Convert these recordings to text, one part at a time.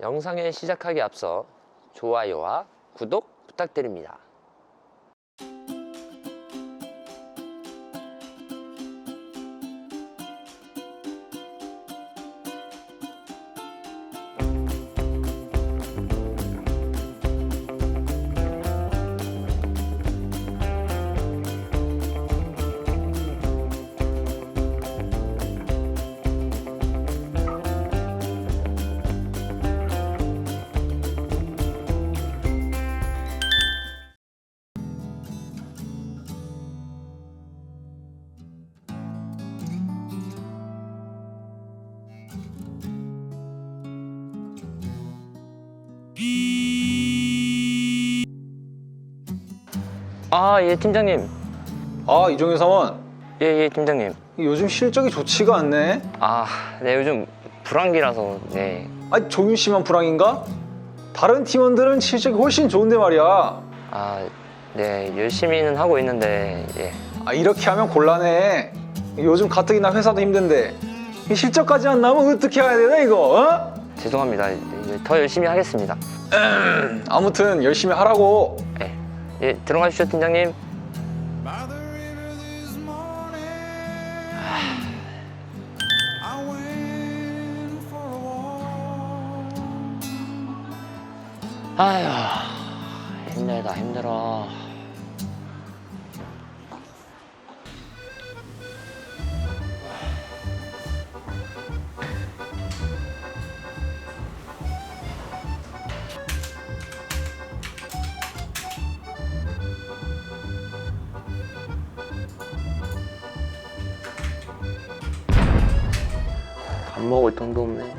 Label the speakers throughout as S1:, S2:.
S1: 영상을 시작하기 앞서 좋아요와 구독 부탁드립니다. 예, 팀장님.
S2: 이종현 사원.
S1: 예, 팀장님.
S2: 요즘 실적이 좋지가 않네.
S1: 네, 요즘 불황기라서. 네.
S2: 종윤 씨만 불황인가? 다른 팀원들은 실적이 훨씬 좋은데 말이야.
S1: 네, 열심히는 하고 있는데. 예.
S2: 이렇게 하면 곤란해. 요즘 가뜩이나 회사도 힘든데 이 실적까지 안 나오면 어떻게 해야 되나 이거?
S1: 죄송합니다. 더 열심히 하겠습니다.
S2: 아무튼 열심히 하라고.
S1: 네. 예, 들어가십시오, 팀장님. 아휴, 힘들다, 힘들어. 밥 먹을 돈도 없네.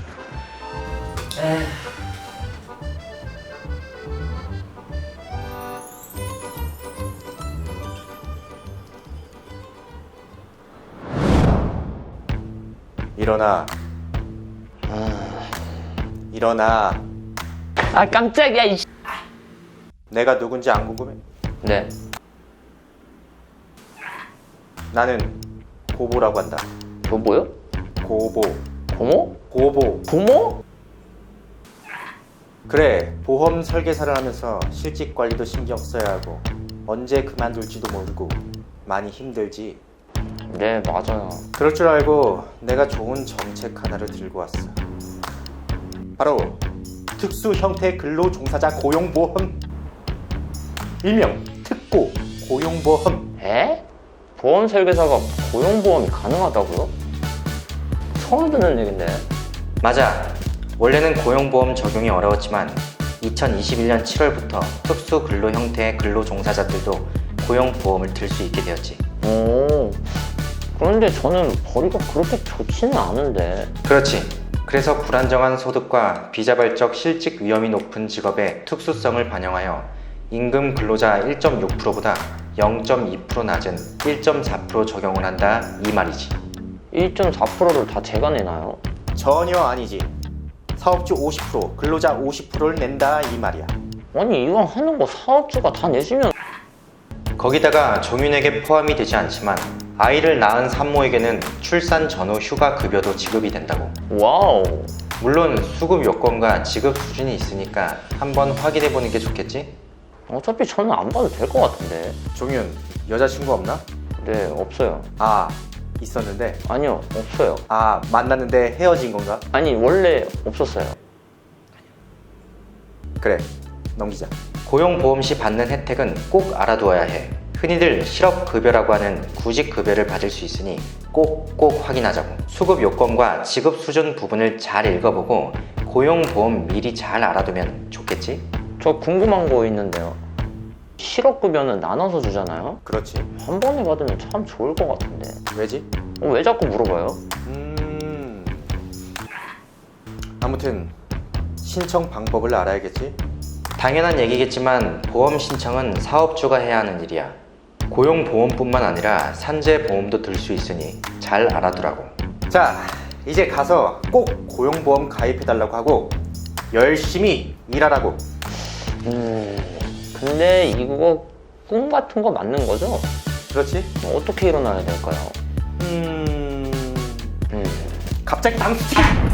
S3: 일어나. 일어나.
S1: 깜짝이야, 이
S3: 내가 누군지 안 궁금해?
S1: 네.
S3: 나는 고보라고 한다.
S1: 뭐요?
S3: 고보.
S1: 고모?
S3: 고보.
S1: 고모?
S3: 그래, 보험 설계사를 하면서 실직 관리도 신경 써야 하고 언제 그만둘지도 모르고 많이 힘들지.
S1: 네, 맞아요.
S3: 그럴 줄 알고 내가 좋은 정책 하나를 들고 왔어. 바로 특수 형태 근로종사자 고용보험, 일명 특고 고용보험.
S1: 에? 보험 설계사가 고용보험이 가능하다고요? 처음 듣는 얘긴데.
S3: 맞아. 원래는 고용보험 적용이 어려웠지만 2021년 7월부터 특수 근로 형태의 근로종사자들도 고용보험을 들 수 있게 되었지.
S1: 오, 그런데 저는 벌이가 그렇게 좋지는 않은데.
S3: 그렇지. 그래서 불안정한 소득과 비자발적 실직 위험이 높은 직업의 특수성을 반영하여 임금 근로자 1.6%보다 0.2% 낮은 1.4% 적용을 한다 이 말이지.
S1: 1.4%를 다 제가 내나요?
S3: 전혀 아니지. 사업주 50%, 근로자 50%를 낸다 이 말이야.
S1: 아니, 이왕 하는 거 사업주가 다 내주면.
S3: 거기다가 종윤에게 포함이 되지 않지만 아이를 낳은 산모에게는 출산 전후 휴가 급여도 지급이 된다고.
S1: 와우.
S3: 물론 수급 요건과 지급 수준이 있으니까 한번 확인해 보는 게 좋겠지?
S1: 어차피 저는 안 봐도 될 것 같은데.
S3: 종윤, 여자친구 없나?
S1: 네, 없어요.
S3: 있었는데.
S1: 아니요, 없어요.
S3: 만났는데 헤어진 건가?
S1: 아니, 원래 없었어요.
S3: 그래, 넘기자. 고용보험 시 받는 혜택은 꼭 알아두어야 해. 흔히들 실업급여라고 하는 구직급여를 받을 수 있으니 꼭 확인하자고. 수급 요건과 지급 수준 부분을 잘 읽어보고 고용보험 미리 잘 알아두면 좋겠지?
S1: 저 궁금한 거 있는데요. 실업급여는 나눠서 주잖아요?
S3: 그렇지.
S1: 한 번에 받으면 참 좋을 것 같은데.
S3: 왜지?
S1: 왜 자꾸 물어봐요?
S3: 아무튼 신청 방법을 알아야겠지? 당연한 얘기겠지만 보험 신청은 사업주가 해야 하는 일이야. 고용보험뿐만 아니라 산재보험도 들 수 있으니 잘 알아두라고. 자, 이제 가서 꼭 고용보험 가입해달라고 하고 열심히 일하라고.
S1: 근데 이거 꿈 같은 거 맞는 거죠?
S3: 그렇지?
S1: 어떻게 일어나야 될까요?
S3: 갑자기 당수치기!